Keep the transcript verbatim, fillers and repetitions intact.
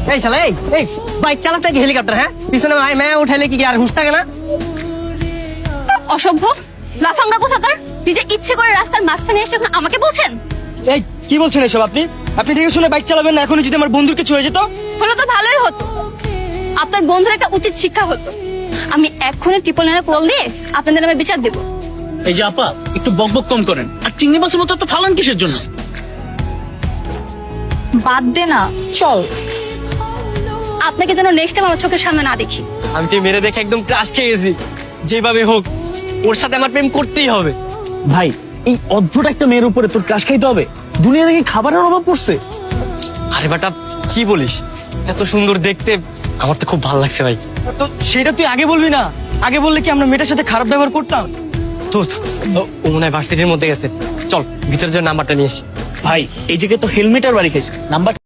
এই শালা এই এই বাইক চালাতে কি হেলিকপ্টার? হ্যাঁ, পিছনে আয় ম্যা উঠাইলে কি আর হুশ থাকে না? অসভ্য লাফাঙ্গা কোথাকার, নিজে ইচ্ছে করে রাস্তার মাঝখানে এসে এখন আমাকে বলছেন? এই কি বলছেন এসব আপনি? আপনি দেখে শুনে বাইক চালাবেন না, এখনই যদি আমার বন্ধুর কিছু হয়ে যেত। হলো তো ভালোই হতো, আপনার বন্ধুর একটা উচিত শিক্ষা হতো। আমি এক্ষুনি ট্রিপল নাইনে কল দিয়ে আপনাদের নামে বিচার দেবো। এই যে আপা, একটু বকবক কম করেন। আর চিংড়ি মাছের মতো তো ফালান কিসের জন্য? বাদ দে না, চল। আপনাকে যেন নেক্সট টাইম আমার চোখের সামনে না দেখি। আমি তো মেরে দেখে একদম ক্রাশ খেয়ে গেছি। যেভাবে হোক ওর সাথে আমার প্রেম করতেই হবে। ভাই, এই অদ্ভুত একটা মেয়ের উপরে তোর ক্রাশ খাইতে হবে? দুনিয়া নাকি খাবারের অভাব পড়ছে? আরে বেটা কি বলিস, এত সুন্দর দেখতে, আমার তো খুব ভালো লাগছে ভাই। তো সেটা তুই আগে বলবি না? আগে বললে কি আমরা মেয়েটার সাথে খারাপ ব্যবহার করতাম? দোস্ত, ও ও মনে হয় ভার্সিটির মধ্যে গেছে। চল ভিতরে যে নাম্বারটা নিয়ে আসি। ভাই, এই জায়গায় তো হেলমেট আর বাড়ি খাইছে, নাম্বার